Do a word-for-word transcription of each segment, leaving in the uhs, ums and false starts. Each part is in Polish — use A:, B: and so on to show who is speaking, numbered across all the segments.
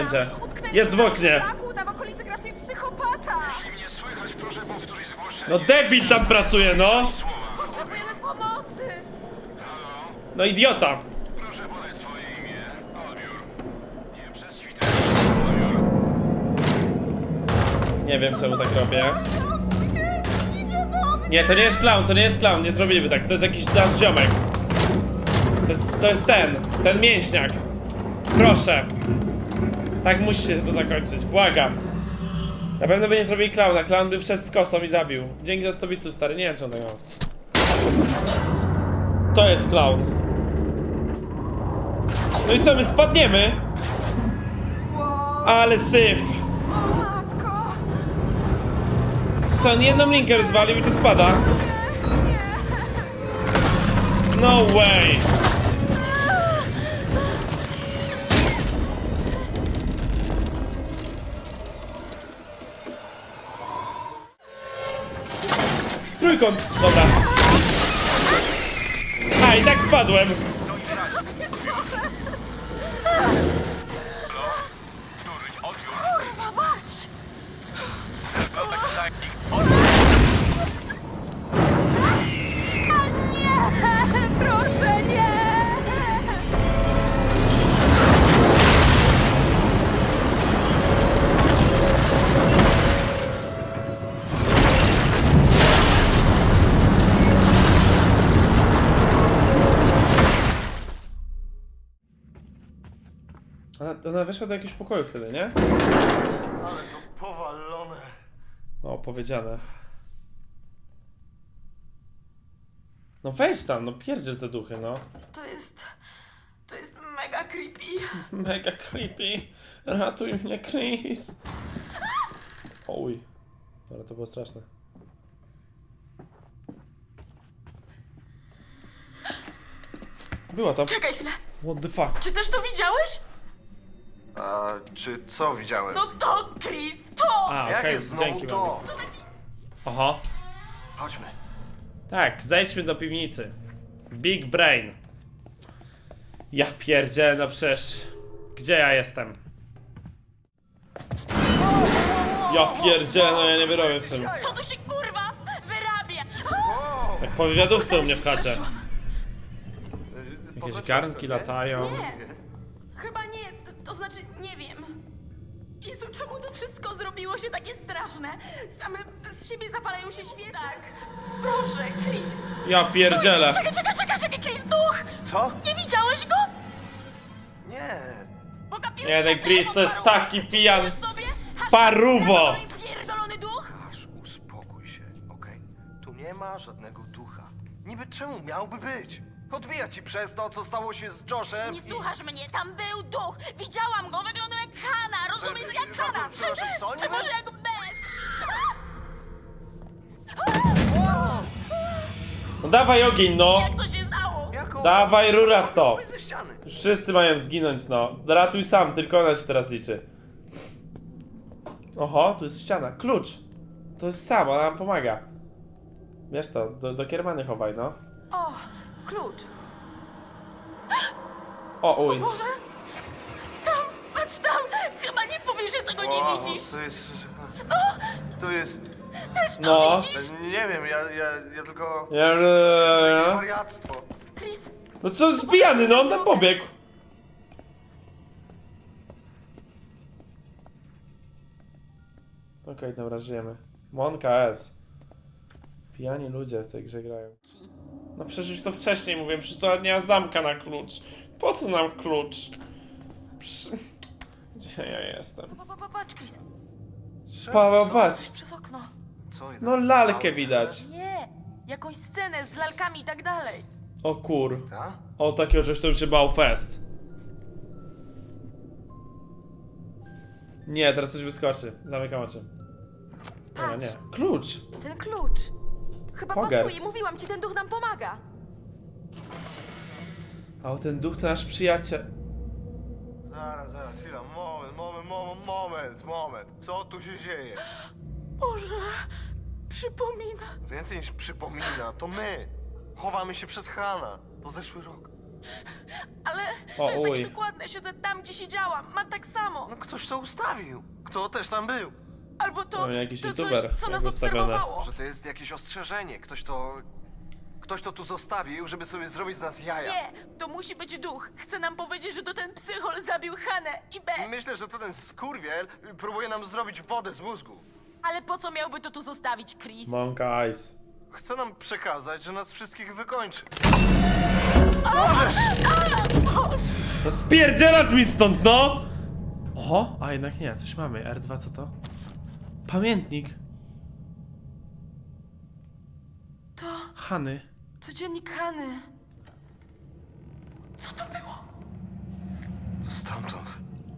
A: Jest w oknie.
B: Tam w okolicy grasuje psychopata.
C: Nie słychać, proszę powtórzyć zgłoszenie.
A: No debil tam pracuje, no.
B: Potrzebujemy pomocy.
A: No idiota.
C: Proszę podać swoje imię. Odbiór. Nie przez Twitter. Odbiór.
A: Nie wiem czemu tak robię.
B: Jest, idzie do mnie.
A: Nie, to nie jest clown, to nie jest clown, nie zrobiliby tak. To jest jakiś nasz ziomek. To jest, to jest ten, ten mięśniak. Proszę. Tak musi się to zakończyć, błagam. Na pewno by nie zrobili klauna, klaun by wszedł z kosą i zabił. Dzięki za sto biców, stary, nie wiem czy on tego ma. To jest klaun. No i co, my spadniemy?
B: Wow.
A: Ale syf.
B: O matko.
A: Co, on jedną linkę rozwalił i tu spada? No way. Trójkąt, dobra. A, i tak spadłem.
C: Któryś odbiór.
B: Kurwa mać.
C: Był taki tajnik.
B: A nie, proszę nie.
A: Ona, ona weszła do jakiegoś pokoju wtedy, nie?
C: Ale to powalone.
A: O, powiedziane. No wejdź tam, no pierdziel te duchy, no.
B: To jest... To jest mega creepy.
A: Mega creepy. Ratuj mnie, Chris. Oj. Ale to było straszne. Była to.
B: Czekaj chwilę.
A: What the fuck?
B: Czy też to widziałeś?
C: A czy co widziałem?
B: No to, Chris, to!
A: A,
C: Jak
A: okej,
C: jest znowu
A: dzięki
C: to?
A: bardzo. Oho.
C: Chodźmy.
A: Tak, zejdźmy do piwnicy. Big brain. Ja pierdzielę, no przecież... Gdzie ja jestem? Ja pierdzielę, no ja nie wyrobię w tym.
B: Co tu się kurwa wyrabia?
C: Wow.
A: Jak po wywiadówce u mnie w chacie.
C: Jakieś
A: Jakieś garnki latają.
B: Nie. Chyba nie, to, to znaczy nie wiem. Jezu, czemu to wszystko zrobiło się takie straszne? Same z siebie zapalają się świece. Tak. Proszę, Chris.
A: Ja pierdzielę.
B: Czekaj, czekaj, czekaj, czekaj, Chris, duch!
C: Co?
B: Nie widziałeś go?
C: Nie.
B: Pogapiłeś
A: Nie,
B: się
A: ten
B: na
A: Chris
B: telefon,
A: to jest
B: paruwo.
A: taki pijany.
B: Sobie? Hashtag
A: Paruwo!
B: pierdolony duch?
C: Aż uspokój się, okej? Tu nie ma żadnego ducha. Niby czemu miałby być? Odbija ci przez to, co stało się z Joshem
B: Nie
C: i...
B: słuchasz mnie, tam był duch! Widziałam go, wyglądał jak Hanna, rozumiesz,
C: Że-
B: jak
C: przepraszam,
B: Hanna!
C: przepraszam, co?
B: Czy
C: Nie
B: może
C: wiem.
B: jak Beth?
C: Wow!
A: No dawaj ogień, no.
B: Jak to się stało?
C: Jaką...
A: Dawaj rura w to.
C: ze ściany.
A: Wszyscy mają zginąć, no. Ratuj sam, tylko ona się teraz liczy. Oho, tu jest ściana. Klucz. To jest sam, ona nam pomaga. Wiesz to, do, do kiermany chowaj, no.
B: O, klucz.
A: O, uj.
B: Boże! Tam, patrz tam! Chyba nie powiesz, że tego nie
C: Wow,
B: widzisz!
C: To jest... To jest...
B: Też to
A: No.
B: widzisz?
C: Nie wiem, ja, ja, ja tylko...
A: Ja-
C: To jest jakieś wariactwo.
B: Chris,
A: No co, zbijany, no on tam pobiegł. Okej, okay, dobra, żyjemy. Monka S. Pijani ludzie w tej grze grają. No przecież już to wcześniej mówiłem, przecież to nie ma zamka na klucz. Po co nam klucz? Przy... Gdzie ja jestem?
B: pa, pa, pa, patrz, Chris.
C: Co?
A: Paweł,
C: Co?
A: patrz.
B: Przez okno.
C: Co?
A: No lalkę widać.
B: Nie, jakąś scenę z lalkami i tak dalej.
A: O kur.
C: Ta?
A: O takiego żeś to już się bał fest. Nie, teraz coś wyskoczy. Zamykam oczy. Nie,
B: Patrz.
A: nie. Klucz!
B: Ten klucz. Chyba
A: Pogers.
B: pasuje, mówiłam ci, ten duch nam pomaga.
A: A ten duch to nasz przyjaciel.
C: Zaraz, zaraz, chwila, moment, moment, moment, moment, moment. Co tu się dzieje?
B: Boże, przypomina.
C: Więcej niż przypomina, to my. Chowamy się przed Hana. To zeszły rok.
B: Ale
A: O,
B: to jest takie
A: uj.
B: dokładne. Siedzę tam, gdzie siedziałam. Ma tak samo.
C: No ktoś to ustawił. Kto też tam był?
B: Albo to,
A: O, jakiś
B: to
A: youtuber,
B: coś, co nas
A: jak ustawione.
B: obserwowało.
C: Że to jest jakieś ostrzeżenie. Ktoś to... Ktoś to tu zostawił, żeby sobie zrobić z nas jaja.
B: Nie, to musi być duch. Chce nam powiedzieć, że to ten psychol zabił Hanę i B.
C: Myślę, że to ten skurwiel próbuje nam zrobić wodę z mózgu.
B: Ale po co miałby to tu zostawić, Chris?
A: Monk Eyes.
C: Chce nam przekazać, że nas wszystkich wykończy.
A: No spierdzielać mi stąd, no! Oho, a jednak nie, coś mamy. R dwa, co to? Pamiętnik.
B: To,
A: Hany.
B: to dziennik Hany. Co to było?
C: To stamtąd.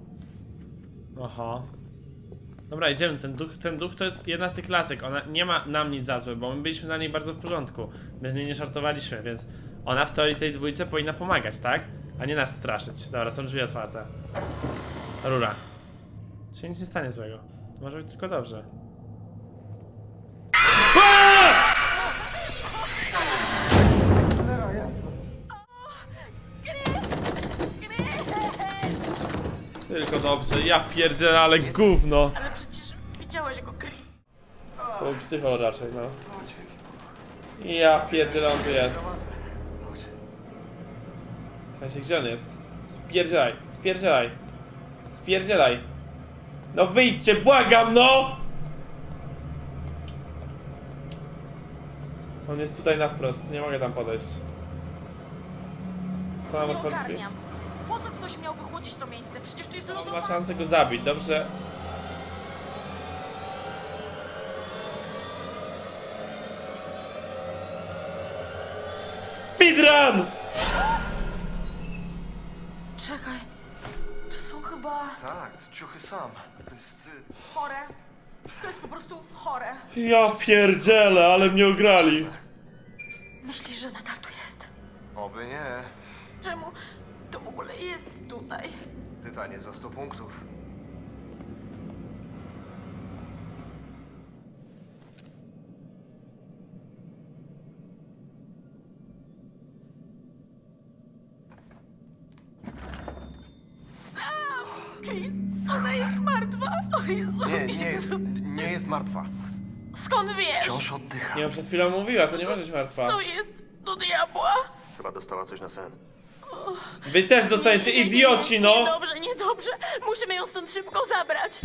A: Oho. Dobra, idziemy. Ten duch, ten duch to jest jedna z tych lasek. Ona nie ma nam nic za złe, bo my byliśmy na niej bardzo w porządku. My z niej nie żartowaliśmy, więc ona w teorii tej dwójce powinna pomagać, tak? A nie nas straszyć. Dobra, są drzwi otwarte. Rura. Tu się nic nie stanie złego. To może być tylko dobrze. Aaa! Tylko dobrze, ja pierdzielę, ale gówno.
B: Ale przecież widziałeś go, Chris.
A: To był psychol raczej, no. Ja pierdzielę, on tu jest. Słuchajcie, gdzie on jest? Spierdzielaj, spierdzielaj. Spierdzielaj. No wyjdźcie, błagam, no! On jest tutaj na wprost, nie mogę tam podejść. To nam
B: Nie
A: otworzy drzwi.
B: ogarniam. Po co ktoś miałby chłodzić to miejsce? Przecież tu jest
A: On ma
B: lodowa.
A: szansę go zabić, dobrze? Speedrun!
B: Czekaj. To są chyba
C: Tak, to ciuchy sam. To jest... y,
B: chore. To jest po prostu chore.
A: Ja pierdzielę, ale mnie ograli.
B: Myślisz, że nadal tu jest?
C: Oby nie.
B: Czemu to w ogóle jest tutaj?
C: Pytanie za sto punktów.
B: Sam! Chris, ona jest martwa. O Jezu,
C: Nie, nie jest...
B: Jezu.
C: Nie jest martwa.
B: Skąd wiesz?
C: Wciąż oddycha.
A: Nie, on przed chwilą mówiła, to nie może być martwa.
B: Co jest do diabła?
C: Chyba dostała coś na sen.
A: Wy też dostaniecie,
B: Nie, nie, nie,
A: idioci, no!
B: Niedobrze, niedobrze. Musimy ją stąd szybko zabrać.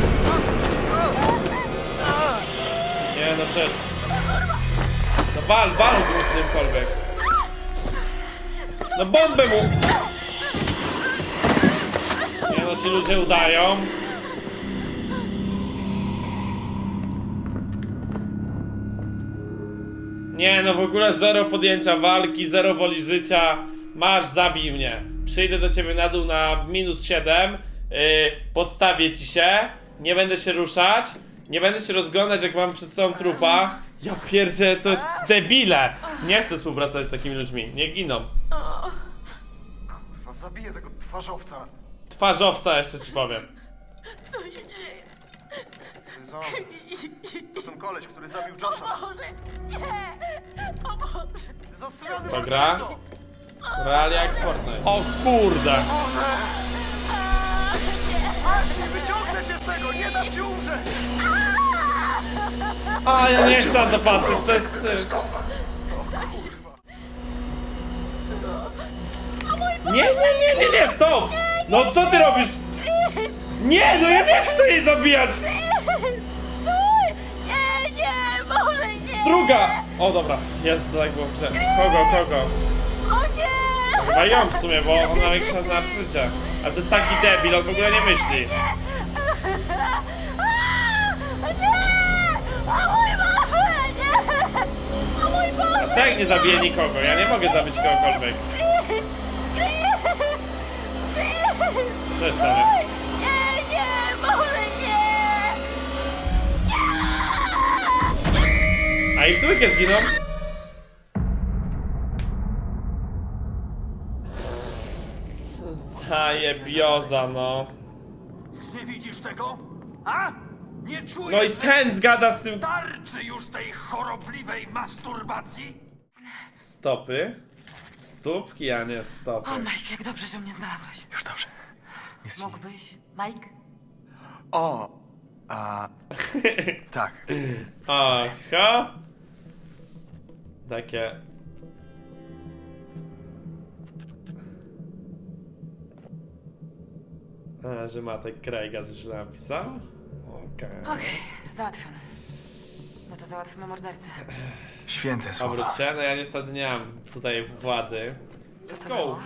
A: Nie, no przecież. No wal, wal go czymkolwiek. No bombę mu! Nie no, ci ludzie udają. Nie no, w ogóle zero podjęcia walki, zero woli życia. Masz, zabij mnie. Przyjdę do ciebie na dół na minus siedem. Yy, podstawię ci się. Nie będę się ruszać. Nie będę się rozglądać, jak mam przed sobą trupa. Ja pierdzę, to debile. Nie chcę współpracować z takimi ludźmi. Nie giną.
C: Kurwa, zabiję tego twarzowca.
A: Twarzowca jeszcze ci powiem.
B: Co się dzieje?
C: To jest on. To ten koleś, który zabił Josha.
B: Boże, nie! O Boże!
C: Zastrzelony
A: To gra? Realia jak Fortnite. O kurde!
C: Masz, nie wyciągnę cię z tego, nie dam ci umrzeć!
A: A ja nie chcę na to patrzeć, to jest... y, Nie, nie, nie, nie, nie, stop! No co ty robisz? Nie, no ja nie chcę jej zabijać!
B: Nie, nie, Boże, nie!
A: Druga! O dobra, jest, to tak było w grze. Kogo, kogo?
B: O nie!
A: Chyba ją w sumie, bo ona ma większą szans na życie. Ale to jest taki debil, on w ogóle nie myśli.
B: O mój Boże, nie! O mój Boże!
A: A co jak nie zabiję nikogo? Ja nie mogę zabić kogokolwiek. Co jest stanie?
B: Nie, nie, Boże, nie!
A: A i w dwójkę zginą? Zajebioza, no.
D: Nie widzisz tego? A? Nie czujesz,
A: No i
D: że
A: ten zgada z tym...
D: starczy już tej chorobliwej masturbacji?
A: Stopy. Stópki, a nie stopy.
B: O, Mike, jak dobrze, że mnie znalazłeś.
C: Już dobrze. Jest ci...
B: Mógłbyś, Mike?
C: O, a... tak.
A: Aha. Takie... A, że Matek Craiga źle napisał? Okej.
B: Okej, załatwione. No to załatwimy mordercę.
C: Święte słowa.
A: Obróć się, no ja niestety nie mam tutaj władzy.
B: Co
A: Let's
B: to
A: go!
B: było?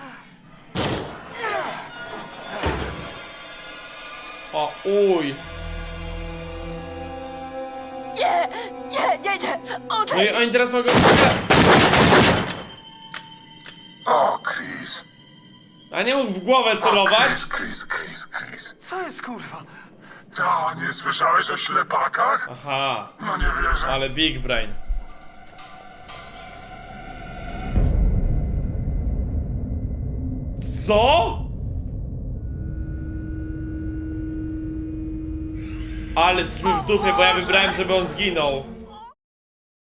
A: O, uj!
B: Nie, nie, nie, nie!
A: No i
B: Odejdź!
A: oni teraz mogą...
E: O, Chris.
A: A nie mógł w głowę
E: O,
A: celować?
E: Chris, Chris, Chris, Chris.
C: Co jest kurwa?
E: Co, nie słyszałeś o ślepakach?
A: Aha,
E: No nie wierzę.
A: ale big brain. Co? Ale jesteśmy w dupie, bo ja wybrałem, żeby on zginął.